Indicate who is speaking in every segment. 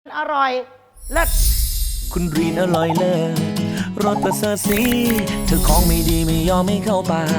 Speaker 1: อร่อยเลิศ
Speaker 2: คุณรีนอร่อยเลิศรสประเสริฐสีเธอของไม่ดีไม่ยอมไม่เข้าปาก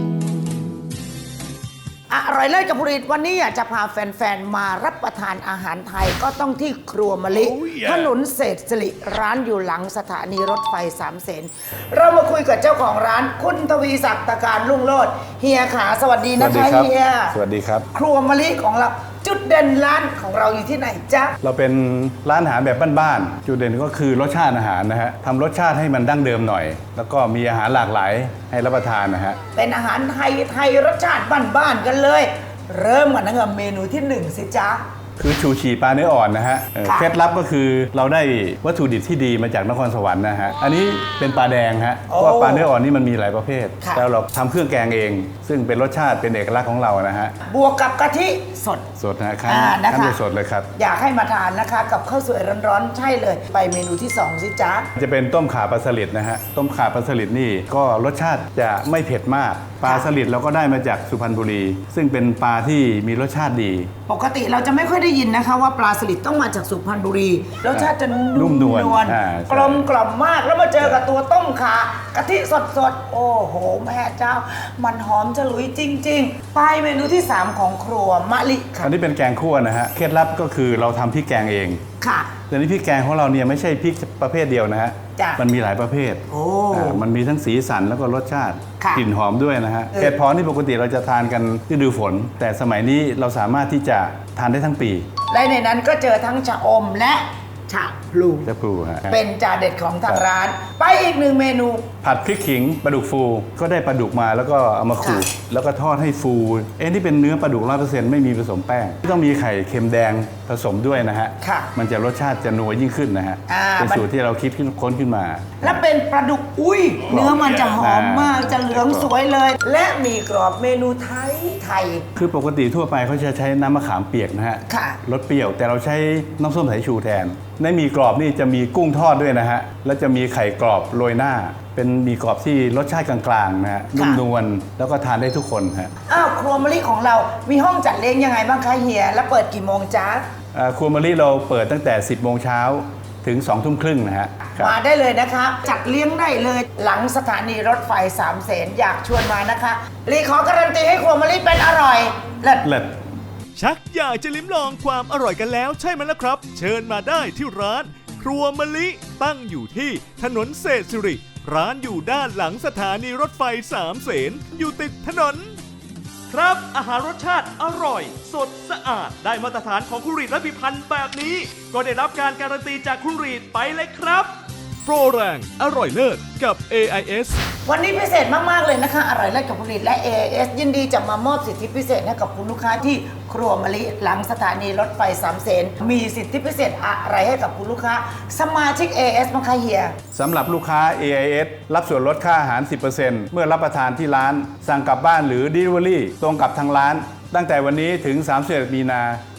Speaker 1: อร่อยเลิศกับผลิตวันนี้อยากจะพาแฟนๆมารับประทานอาหารไทยก็ต้องที่ครัวมะลิถนนเศรษฐศิริร้านอยู่หลังสถานีรถไฟสามเสนเรามาคุยกับเจ้าของร้านคุณทวีศักดิ์ตะการรุ่งโรจน์เฮียขาสวัสดีนะคะเฮีย
Speaker 3: สวัสดีครับ
Speaker 1: ครัวมะลิของเราจุดเด่นร้านของเราอยู่ที่ไหนจ๊ะ
Speaker 3: เราเป็นร้านอาหารแบบบ้านๆจุดเด่นก็คือรสชาติอาหารนะฮะทำรสชาติให้มันดั้งเดิมหน่อยแล้วก็มีอาหารหลากหลายให้รับประทานนะฮะ
Speaker 1: เป็นอาหารไทยรสชาติบ้านๆกันเลยเริ่มกันนะครับเมนูที่1สิจ๊ะ
Speaker 3: คือชูชีปลาเนื้ออ่อนนะฮะเคล็ดลับก็คือเราได้วัตถุดิบที่ดีมาจากนครสวรรค์นะฮะอันนี้เป็นปลาแดงฮะเพราะปลาเนื้ออ่อนนี่มันมีหลายประเภทแล้วเราทำเครื่องแกงเองซึ่งเป็นรสชาติเป็นเอกลักษณ์ของเรานะฮะ
Speaker 1: บวกกับกะทิสด
Speaker 3: นะคั้นสดเลยครับ
Speaker 1: อยากให้มาทานนะคะกับข้าวสวยร้อนๆใช่เลยไปเมนูที่2สิจ๊ะ
Speaker 3: จะเป็นต้มข่าปลาสลิดนะฮะต้มข่าปลาสลิดนี่ก็รสชาติจะไม่เผ็ดมากปลาสลิดเราก็ได้มาจากสุพรรณบุรีซึ่งเป็นปลาที่มีรสชาติดี
Speaker 1: ปกติเราจะไม่ค่อยได้ยินนะคะว่าปลาสลิดต้องมาจากสุพรรณบุรีรสชาติจะนุ่มนวลกลมกล่อมมากแล้วมาเจอกับตัวต้มข่ากะทิสดๆโอ้โหแม่เจ้ามันหอมฉลุยจริงๆไปเมนูที่3ของครัวมะลิค่ะ
Speaker 3: อันนี้เป็นแกงคั่วนะฮะเคล็ดลับก็คือเราทำพริกแกงเอง
Speaker 1: ค่ะ
Speaker 3: แต่นี้พริกแกงของเราเนี่ยไม่ใช่พริกประเภทเดียวนะฮะมันมีหลายประเภทมันมีทั้งสีสันแล้วก็รสชาติกลิ่นหอมด้วยนะฮะเห็ดเพาะนี่ปกติเราจะทานกันฤดูฝนแต่สมัยนี้เราสามารถที่จะทานได้ทั้งปี
Speaker 1: และในนั้นก็เจอทั้งชะอมและชะพลู
Speaker 3: ฮะ
Speaker 1: เป็นจานเด็ดของทางร้านไปอีก1เมนู
Speaker 3: ผัดพริกขิงปลาดุกฟูก็ได้ปลาดุกมาแล้วก็เอามาขูดแล้วก็ทอดให้ฟูที่เป็นเนื้อปลาดุก 100% ไม่มีผสมแป้งต้องมีไข่เค็มแดงผสมด้วยนะฮะมันจะรสชาติจะนัวยิ่งขึ้นนะฮะเป็นสูตรที่เราคิดค้นขึ้นมา
Speaker 1: และเป็นปลาดุกเนื้อมันจะหอมมากจะเหลืองสวยเลยและมีกรอบเมนูไทย
Speaker 3: คือปกติทั่วไปเขาจะใช้น้ำมะขามเปียกนะฮะรสเปรี้ยวแต่เราใช้น้ำส้มสายชูแทนในหมี่กรอบนี่จะมีกุ้งทอดด้วยนะฮะแล้วจะมีไข่กรอบโรยหน้าเป็นหมี่กรอบที่รสชาติกลางๆนะฮะนุ่มนวลแล้วก็ทานได้ทุกคนฮะ
Speaker 1: ครัวมะลิของเรามีห้องจัดเลี้ยงยังไงบ้างคะเฮียและเปิดกี่โมงจ๊ะ
Speaker 3: ครัวมะลิเราเปิดตั้งแต่ 10 โมงเช้าถึง 2 ทุ่มครึ่งนะฮะ
Speaker 1: มาได้เลยนะคะจัดเลี้ยงได้เลยหลังสถานีรถไฟสามเสนอยากชวนมานะคะลีขอการันตีให้ครัวมะลิเป็นอร่อยเลิศ
Speaker 4: ชักอยากจะลิ้มลองความอร่อยกันแล้วใช่ไหมล่ะครับเชิญมาได้ที่ร้านครัวมะลิตั้งอยู่ที่ถนนเศรษฐศิริร้านอยู่ด้านหลังสถานีรถไฟสามเสนอยู่ติดถนนครับอาหารรสชาติอร่อยสดสะอาดได้มาตรฐานของคุณรีดและพิพันธ์แบบนี้ก็ได้รับการการันตีจากคุณรีดไปเลยครับโปรแรงอร่อยเลิศกับ AIS
Speaker 1: วันนี้พิเศษมากๆเลยนะคะอร่อยเลิศกับผลิตและ AIS ยินดีจะมามอบสิทธิพิเศษให้กับคุณลูกค้าที่ครัวมะลิหลังสถานีรถไฟสามเสนมีสิทธิพิเศษอะไรให้กับคุณลูกค้าสมาชิก AIS มั้งคะเฮีย
Speaker 3: สำหรับลูกค้า AIS รับส่วนลดค่าอาหาร 10% เมื่อรับประทานที่ร้านสั่งกลับบ้านหรือ Delivery ตรงกับทางร้านตั้งแต่วันนี้ถึง31 มีนา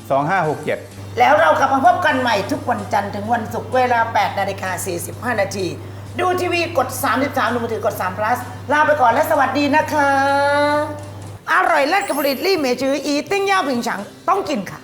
Speaker 3: 2567
Speaker 1: แล้วเรากลับมาพบกันใหม่ทุกวันจันทร์ถึงวันศุกร์เวลา 8:45 นาทีดูทีวีกด 33ดูมือถือกด3 plus ลาไปก่อนและสวัสดีนะคะอร่อยเลิศกับผลิตลี่เมจืออีติ้งย่าผิงฉังต้องกินค่ะ